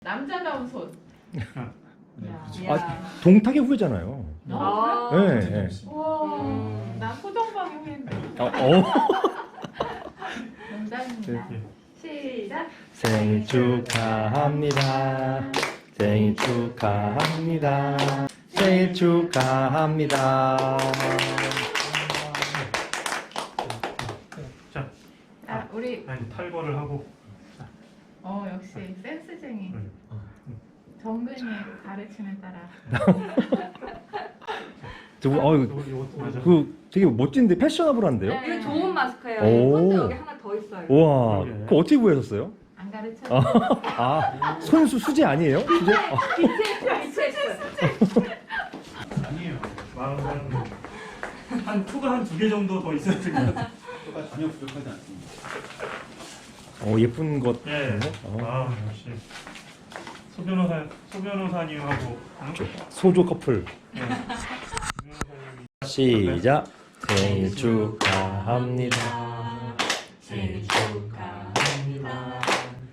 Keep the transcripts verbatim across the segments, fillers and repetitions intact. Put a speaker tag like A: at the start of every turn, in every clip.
A: 남자다운 손.
B: 네,
A: 야.
B: 그렇죠.
C: 아, 동탁의 후예잖아요.
A: 아,
C: 네, 네.
A: 우와,
B: 음.
A: 나 소정방의 후예인데.
C: 어, 어.
A: 농담입니다.
B: 네.
A: 시작.
C: 생일 축하합니다. 생일 축하합니다. 생일 축하합니다.
B: 자,
A: 아, 우리
B: 아니, 탈거를 하고.
A: 어 역시 센스쟁이.
B: 음.
A: 정근이 가르침에 따라.
C: 저, 어,
B: 이거, 이것도 맞아.
C: 그 되게 멋진데 패셔너블한데요?
A: 네.
D: 이거 좋은 마스크예요.
C: 오.
D: 콘도 여기 하나 더 있어요.
C: 우와,
B: 그러게.
C: 그거 어떻게 구하셨어요?
A: 안 가르쳐.
C: 아, 손수 수제 아니에요? 수제? 아,
D: 비트했어요.
B: 아니에요. 마음은 한 투가 한 두 개 정도 더 있어야 될 것 같아요.
E: 효과 전혀 부족하지 않습니다.
C: 어, 예쁜 것.
B: 예.
C: 어.
B: 아, 역시 소 변호사, 소 변호사님하고. 응?
C: 소조 커플.
B: 예. 소 변호사님이
C: 시작. 생일 축하합니다.
D: 생일 축하합니다.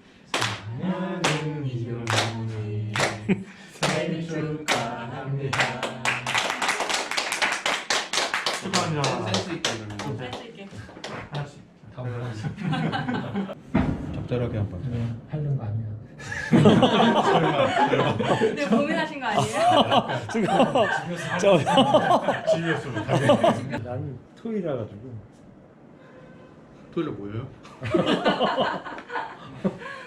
B: 사랑하는 이경이 생일 축하합니다. 축하합니다.
E: 센스 있다 이러면.
D: 센스 있게.
B: 하나씩.
E: 다 하나씩. 적절하게 한번.
F: 하려는 거 아니야.
D: 근데 고민하신 거 아니에요?
C: 지금 저
B: 집에서 못하게.
C: 나는 토이라 가지고
E: 토요일에 뭐예요?